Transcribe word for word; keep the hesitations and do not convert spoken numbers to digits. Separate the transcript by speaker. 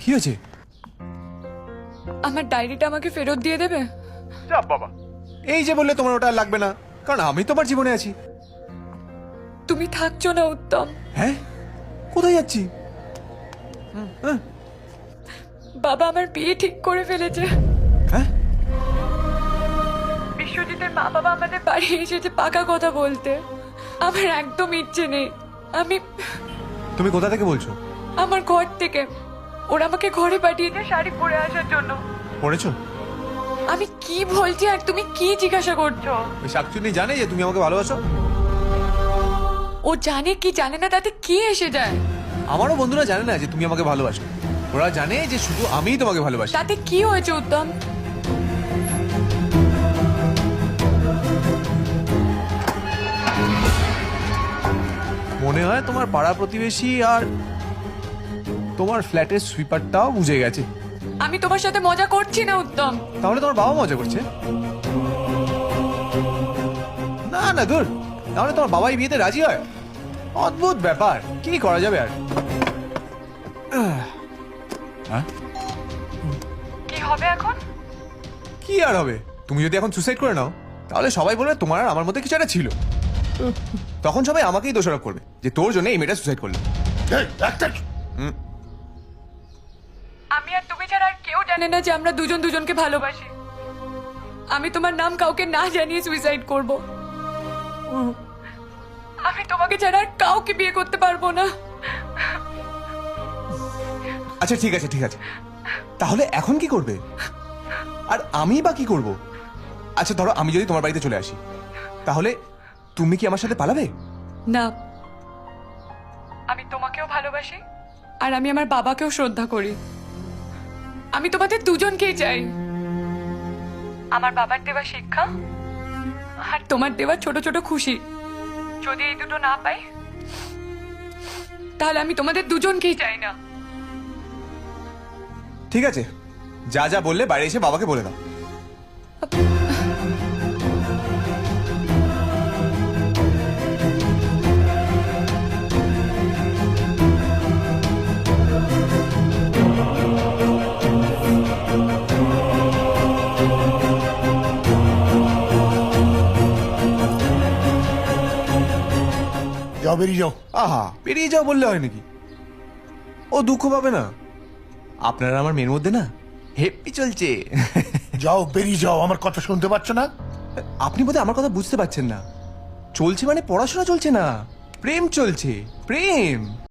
Speaker 1: কি হয়েছে?
Speaker 2: আমার ডায়েরিটা আমাকে ফেরত দিয়ে দেবে?
Speaker 1: যা বাবা, এই যে বললে তোমার ওটা আর লাগবে না, কারণ আমি তোমার জীবনে আছি।
Speaker 2: তুমি থাকছো না উত্তম।
Speaker 1: হ্যাঁ, কোথায় যাচ্ছি? হ্যাঁ
Speaker 2: বাবা আমার বিয়ে ঠিক করে ফেলেছে।
Speaker 1: হ্যাঁ,
Speaker 2: বিশ্বজিতের মা বাবা আমাদের বাড়ি এসেছে পাকা কথা বলতে। আমার একদম ইচ্ছে নেই। আমি
Speaker 1: তুমি কোথা থেকে বলছো?
Speaker 2: আমার ঘর থেকে। ওরা আমাকে ঘরে পাঠিয়েছে শাড়ি পরে আসার জন্য।
Speaker 1: পড়েছো?
Speaker 2: আমি কি বলছি আর তুমি কি জিজ্ঞাসা করছো?
Speaker 1: ওই শাকচুন্নি জানে যে তুমি আমাকে ভালোবাসো?
Speaker 2: ও জানে কি জানে না তাতে কি এসে যায়?
Speaker 1: আমারও বন্ধুরা জানে না যে তুমি আমাকে ভালোবাসো। ওরা জানে যে শুধু আমিই তোমাকে ভালোবাসি।
Speaker 2: তাতে কি হয়েছে উত্তম?
Speaker 1: মনে হয় তোমার পাড়া প্রতিবেশী আর তোমার ফ্ল্যাটের সুইপারটাও বুঝে গেছে।
Speaker 2: আমি তোমার সাথে মজা করছি না উত্তম।
Speaker 1: তাহলে তোমার বাবা মজা করছে? না না দূর, তাহলে তোমার বাবাই বিয়েতে রাজি হয়? অদ্ভুত ব্যাপার, কি করা যাবে আর? হ্যাঁ,
Speaker 2: কি হবে এখন?
Speaker 1: কি আর হবে? তুমি যদি এখন সুসাইড করে নাও তাহলে সবাই বলবে তোমার আর আমার মধ্যে কিছু একটা ছিল। তখন সবাই আমাকেই দোষারোপ করবে যে তোর জন্য এই মেয়েটা সুসাইড করলো।
Speaker 2: আমি আর তুমি ছাড়া আর কেউ জানে না যে আমরা দুজন দুজনকে ভালোবাসি। আমি তোমার নাম কাউকে না জানিয়ে সুইসাইড করব। আমি তোমাকে ছাড়া আর কাউকে বিয়ে করতে পারবো না।
Speaker 1: আচ্ছা ঠিক আছে ঠিক আছে, তাহলে এখন কি করবে? আর আমি বা কি করব? আচ্ছা ধরো আমি যদি তোমার বাড়িতে চলে আসি, তাহলে তুমি কি আমার সাথে পালাবে?
Speaker 2: না, আমি তোমাকেও ভালোবাসি আর আমি আমার বাবাকেও শ্রদ্ধা করি। আমি তোমাদের দুজনকেই চাই। আমার বাবার দেওয়া শিক্ষা আর তোমার দেওয়া ছোট ছোট খুশি, যদি এই দুটো না পাই তাহলে আমি তোমাদের দুজনকেই চাই না।
Speaker 1: ঠিক আছে, যা যা বললে বাইরে এসে বাবাকে বলে দাও।
Speaker 3: যাও, বেরিয়ে যাও।
Speaker 1: আহা, বেরিয়ে যাও বললে হয় নাকি? ও দুঃখ পাবে না। আপনারা আমার মেয়ের মধ্যে না হেপি চলছে।
Speaker 3: যাও, বেরিয়ে যাও। আমার কথা শুনতে পাচ্ছ না?
Speaker 1: আপনি বোধহয় আমার কথা বুঝতে পারছেন না। চলছে মানে পড়াশোনা চলছে না, প্রেম চলছে, প্রেম।